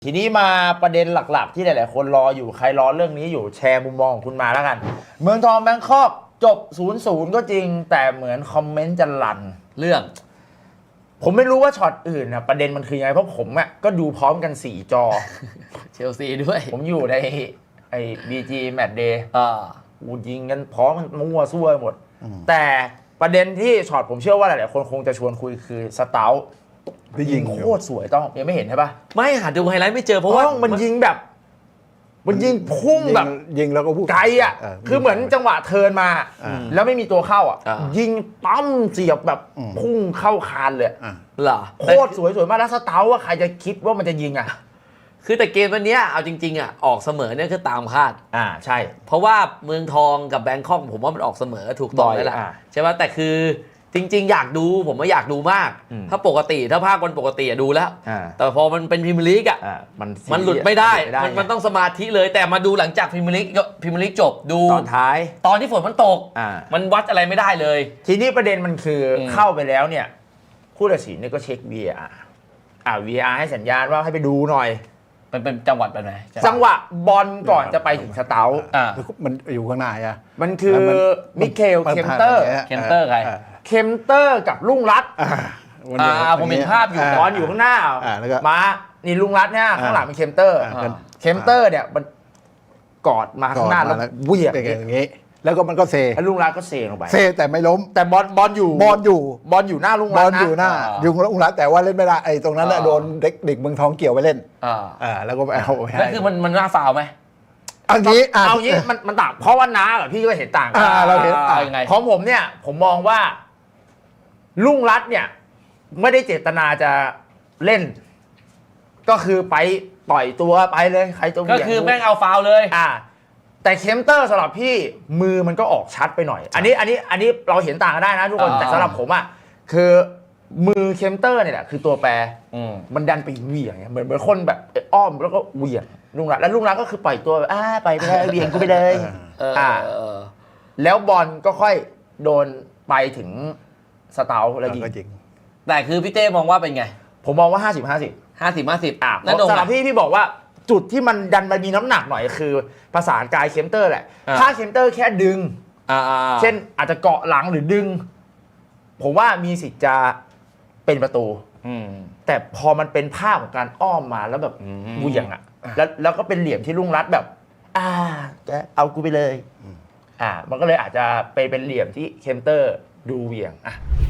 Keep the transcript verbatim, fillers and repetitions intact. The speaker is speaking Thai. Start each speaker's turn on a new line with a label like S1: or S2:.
S1: ทีนี้มาประเด็นหลักๆที่หลายๆคนรออยู่ใครรอเรื่องนี้อยู่แชร์มุมมองของคุณมาแล้วกันเมืองทองแบงคอกจบ ศูนย์ศูนย์ ก็จริงแต่เหมือนคอมเมนต์จะลัน
S2: เรื่อง
S1: ผมไม่รู้ว่าช็อตอื่นนะประเด็นมันคือยังไงเพราะผมอ่ะก็ดูพร้อมกันสี่จอ
S2: เชลซีด้วย
S1: ผมอยู่ในไอ้ บี จี Match Day
S2: อ่า
S1: อูยิงกันพร้อมกันมั่วซั่วหมดแต่ประเด็นที่ช็อตผมเชื่อว่าหลายๆคนคงจะชวนคุยคือสเตาท์ยิงโคตรสวยต้องยังไม่เห็นใช่ปะ
S2: ไม่หาดูไฮไลท์ไม่เจอเพราะว่า
S1: มันยิงแบบมันยิงพุ่งแบบ
S3: ยิงแล้วก็พุ่ง
S1: ไกลอ่ะคือเหมือนจังหวะเทิร์นมาแล้วไม่มีตัวเข้าอ่ะยิงปั้มเสียบแบบพุ่งเข้าคานเลย
S2: เหรอ
S1: โคตรสวยสวยมากแล้วสเตาท์ว่าใครจะคิดว่ามันจะยิงอ่ะ
S2: คือแต่เกมวันนี้เอาจริงๆอ่ะออกเสมอเนี่ยคือตามคาด
S1: อ่าใช่
S2: เพราะว่าเมืองทองกับแบงคอกผมว่ามันออกเสมอถูกต้องแล้วล่ะใช่ป่ะแต่คือจริงๆอยากดูผมว่าอยากดูมากถ้าปกติถ้าภาควันปกติดูแล้วแต่พอมันเป็นพรีเมียร์ลีกอ่ะ
S1: มัน
S2: มันหลุดไม่ได้มันมันต้องสมาธิเลยแต่มาดูหลังจากพรีเมียร์ลีกพรีเมียร์ลีกจบดู
S1: ตอนท้าย
S2: ตอนที่ฝนมันตกมันวัดอะไรไม่ได้เลย
S1: ทีนี้ประเด็นมันคือเข้าไปแล้วเนี่ยผู้ตัดสินเนี่ยก็เช็ค วี อาร์ อ่า วี อาร์ ให้สัญญาณว่าให้ไปดูหน่อย
S2: มันเป็นจังหวัดแบบไหน
S1: จังหวะบอลก่อนจะไปถึงสเตาท์
S3: มันอยู่ข้างหน้าอ่ะ
S1: มันคือมิเคลเคมเตอร์
S2: เคมเตอร์ใคร
S1: เคมเตอร์กับลุงรัต
S2: อ่าผมเห็นภาพอยู่
S1: บอลอยู่ข้างหน้ามานี่ลุงรัตเนี่ยข้างหลังเป็นเคมเตอร์เคมเตอร์เนี่ยมันกอดมาข้างหน้าแล้ว
S3: เวี่ยงอย่างงี้แล้วก็มันก็เซ
S1: แล้วลุงรัตก็เซลงไป
S3: เซแต่ไม่ล้ม
S1: แต่บอลบอลอยู่
S3: บอลอยู่
S1: บอลอยู่หน้าลุงรัต
S3: บอลอยู่หน้ายุงลุงรัตแต่ว่าเล่นไม่ได้ไอ้ตรงนั้นโดนเด็กเด็กเมืองทองเกี่ยวไปเล่นอ่าแล้วก็ไปเอา
S2: แล้วคือมันมันน่าฟาวไหม
S3: เอางี้
S1: เอางี้มันมันต่างเพราะว่าน้ากับพี่ก็เห็นต่างกัน
S3: เราเห็น
S1: ยังไงของผมเนี่ยผมมองว่าลุงรัตเนี่ยไม่ได้เจตนาจะเล่นก็คือไปปล่อยตัวไปเลยใครจะ
S2: ก็คือแม่งเอาฟาวเลย
S1: อ่าแต่เคมเตอร์สำหรับพี่มือมันก็ออกชัดไปหน่อยอันนี้อันนี้อันนี้เราเห็นต่างกันได้นะทุกคนแต่สำหรับผมอ่ะคือมือเคมเตอร์เนี่ยแหละคือตัวแปรมันดันไปเหวี่ยงเหมือนเหมือนคนแบบอ้อมแล้วก็เหวี่ยงลุงรัตแล้วลุงรัตก็คือปล่อยตัวอ่าไปไปเลยเหวี่ยงกูไปเลยอ่าแล้วบอลก็ค่อยโดนไปถึงสเตาท์แล้วยิง
S2: แต่คือพี่เต้มองว่าเป็นไง
S1: ผมมองว่าห้าสิบ ห้าสิบ
S2: ห้าสิบ ห้าสิบ
S1: อ่ะสำหรับพี่พี่บอกว่าจุดที่มันดันมามีน้ำหนักหน่อยคือภาษากายเคมเตอร์แหละถ้าเคมเตอร์แค่ดึงเช่นอาจจะเกาะหลังหรือดึงผมว่ามีสิทธิ์จะเป็นประตูแต่พอมันเป็นภาพของการอ้อมมาแล้วแบบเหวี่ยงอ่ะแล้วแล้วก็เป็นเหลี่ยมที่ลุงรัตแบบอ่าแกเอากูไปเลยอ่ามันก็เลยอาจจะไปเป็นเหลี่ยมที่เคมเตอร์ดูเหวี่ยงอ่ะ